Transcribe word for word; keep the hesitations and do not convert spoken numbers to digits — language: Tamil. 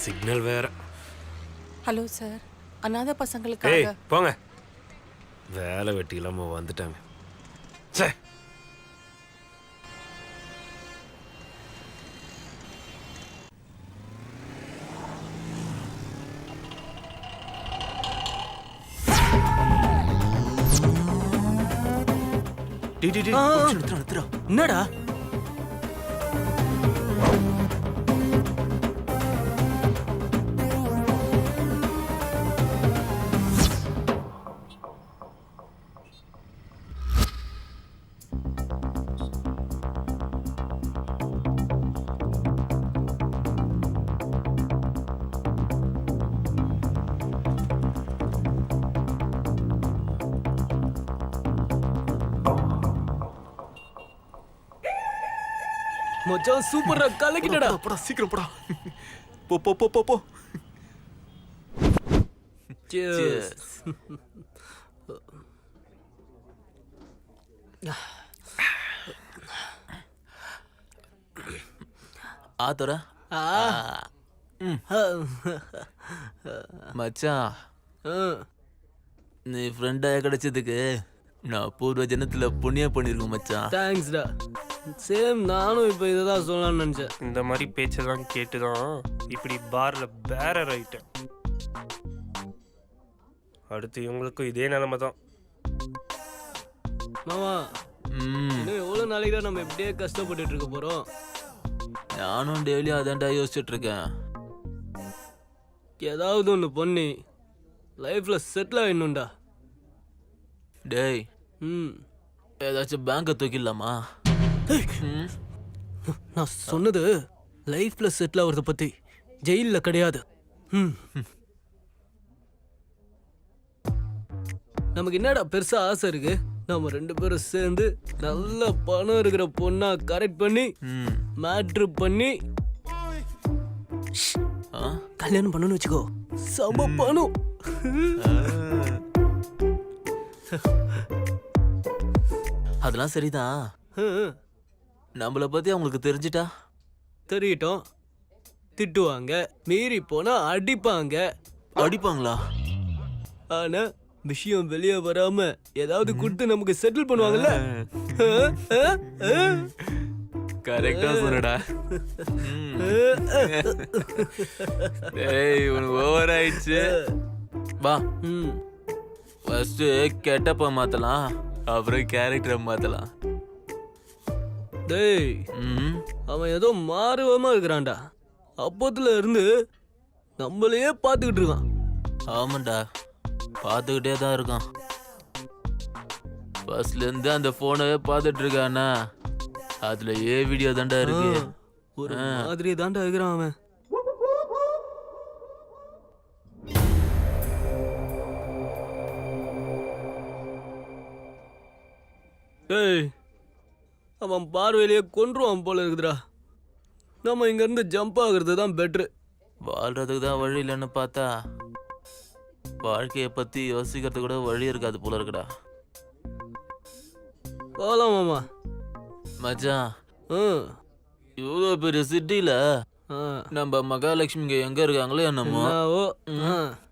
சிக்னல் வேற. ஹலோ சார், அனாதை ஏய் பசங்களுக்காக போங்க, வேலை வெட்டி இல்லாம வந்துட்டாங்க. சே டி டி டி நிறுத்துறா நிறுத்துறா. என்னடா மச்சான் சூப்பரா கலக்கிட்டடா. போடா சீக்கிரம் போடா. போ போ போ போ போ. Cheers. ஆத்தோர மச்சான், நீ ஃப்ரெண்டா கிடைச்சதுக்கு நான் பூர்வ ஜனத்துல புண்ணியம் பண்ணிருக்கேன் மச்சான். தேங்க்ஸ்டா. சேம், நானும் இப்போ இதை தான் சொல்லலாம்னு நினச்சேன். இந்த மாதிரி பேச்செல்லாம் கேட்டு தான் இப்படி பாரில் பேரர் ஆயிட்டேன். அடுத்து இவங்களுக்கும் இதே நிலைமை தான். மாமா, இன்னும் எவ்வளோ நாளைக்கு தான் நம்ம இப்படியே கஷ்டப்பட்டுட்டு இருக்க போகிறோம்? நானும் டெய்லி அதான்டா யோசிச்சுட்டு இருக்கேன். ஏதாவது ஒன்று பண்ணி லைஃப்பில் செட்டில் ஆகிடணும்டா. டேய், ம் ஏதாச்சும் பேங்கை தூக்கிடலாமா? நான் சொன்னது லைஃப்பில் செட்டில் ஆகிறத பற்றி, ஜெயிலில் கிடையாது. ம் நமக்கு என்னடா பெருசா ஆசை இருக்கு? நம்ம ரெண்டு பேரும் சேர்ந்து நல்ல பணம் இருக்கிற பொண்ணா கரெக்ட் பண்ணி மேட்ரு பண்ணி கல்யாணம் பண்ணணும்னு வச்சுக்கோ. சம பணம். அதெல்லாம் சரிதான். நம்மளை பத்தி அவங்களுக்கு தெரிஞ்சிட்டா? தெரியட்டும். திட்டுவாங்க, மீறி போனா அடிப்பாங்க. அடிப்பாங்களா? ஆனா விஷயம் வெளியே வராம ஏதாவது கொடுத்து நமக்கு செட்டில் பண்ணுவாங்கல்ல. கரெக்டா சொல்லுடா. ஏய், உனக்கு ஓவர் ஆயிடுச்சு. வா, ஃபர்ஸ்ட் கெட்டப்ப மாத்தலாம், அப்புறம் கேரக்டரை மாத்தலாம். டேய், அவன் ஏதோ மாறுவமா இருக்கிறான்டா. அப்போத்துல இருந்து நம்மளையே பார்த்துக்கிட்டு இருக்கான். ஆமாண்டா, பார்த்துக்கிட்டே தான் இருக்கான். ஃபர்ஸ்ட்ல இருந்து அந்த போனவே பார்த்துட்டு இருக்கானா, அதுல ஏ வீடியோ தாண்டா இருக்கு. ஒரு மாதிரி தாண்டா இருக்கிறான் அவன். டேய், அவன் பார்வையிலேயே கொன்றுவான் போல இருக்குதுடா. நம்ம இங்க இருந்து ஜம்ப் ஆகுறது தான் பெட்ரு. வாழ்றதுக்கு தான் வழி இல்லைன்னு பார்த்தா வாழ்க்கையை பத்தி யோசிக்கிறது கூட வழி இருக்காது போல இருக்குடா. போலாம் மாமா. மச்சான், இவ்வளோ பெரிய சிட்டில நம்ம மகாலட்சுமிங்க எங்க இருக்காங்களோ என்னமோ.